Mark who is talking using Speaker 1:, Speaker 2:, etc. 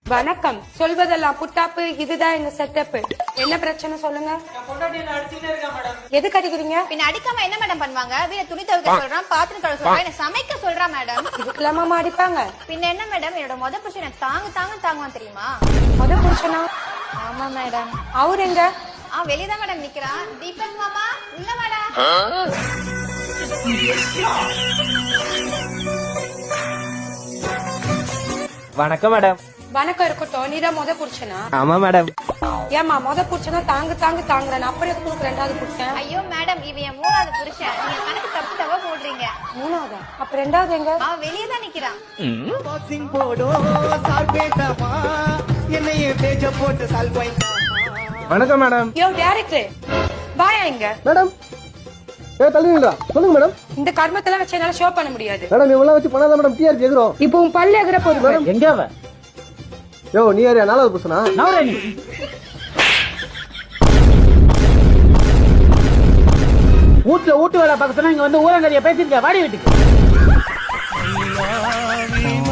Speaker 1: வணக்கம். சொல்வதெல்லாம் புட்டாப்பு. இதுதான் எங்க செட்டப். என்ன பிரச்சனை சொல்லுங்க. எதுக்கு அடிக்கிறீங்க?
Speaker 2: பின்ன அடிக்காம என்ன மேடம் பண்ணுவாங்க? வீட துணி துவைக்க சொல்றான், பாத்திரம் கழுவ சொல்றான், என்ன சமைக்க சொல்றா மேடம்.
Speaker 1: இதுக்கெல்லாமா அடிப்பாங்க?
Speaker 2: பின்ன என்ன மேடம், என்னோட முத புருஷன் எனக்கு தாங்குவான் தெரியுமா?
Speaker 1: முத புருஷனா?
Speaker 2: ஆமா மேடம்.
Speaker 1: அவரு எங்க?
Speaker 2: வெளியதான் மேடம் நிக்கிறான். தீபக் மாமா உள்ள வாடா.
Speaker 3: வணக்கம் மேடம்.
Speaker 1: வணக்கம் இருக்கட்டும். நீதான் முத புருஷனா?
Speaker 3: ஆமா மேடம்.
Speaker 1: ஏமா முத புருஷனா தாங்குறேன். அப்புறம் எதுக்கு ரெண்டாவது புருஷன்?
Speaker 2: ஐயோ மேடம், இவன் என் மூணாவது புருஷன். நீங்க கணக்கு தப்பா போடுறீங்க.
Speaker 1: மூணாவதா? அப்ப ரெண்டாவது எங்க?
Speaker 2: அவன் வெளியதான் நிக்கிறான்.
Speaker 3: வணக்கம் மேடம்.
Speaker 1: யோ டைரக்டர் பாயா இங்க.
Speaker 4: மேடம் தள்ளுவீங்களா? சொல்லுங்க மேடம்.
Speaker 1: இந்த கர்மத்தெல்லாம் வச்சு என்னால ஷோ பண்ண முடியாது.
Speaker 4: மேடம் இவெல்லாம் வச்சு பண்ணாத மேடம். டிஆர்பி எகிறோம்.
Speaker 1: இப்போ உன் பல்லு எகிற போகுது மேடம்.
Speaker 3: எங்க அவ?
Speaker 4: யோ நீ யாரையா? நாலாவது புருஷனா?
Speaker 3: நவரணி. வீட்டுல வீட்டு வேலை பார்க்க சொன்னா இங்க வந்து ஊரங்கறிய பேசிருக்க. வாடி வீட்டுக்கு.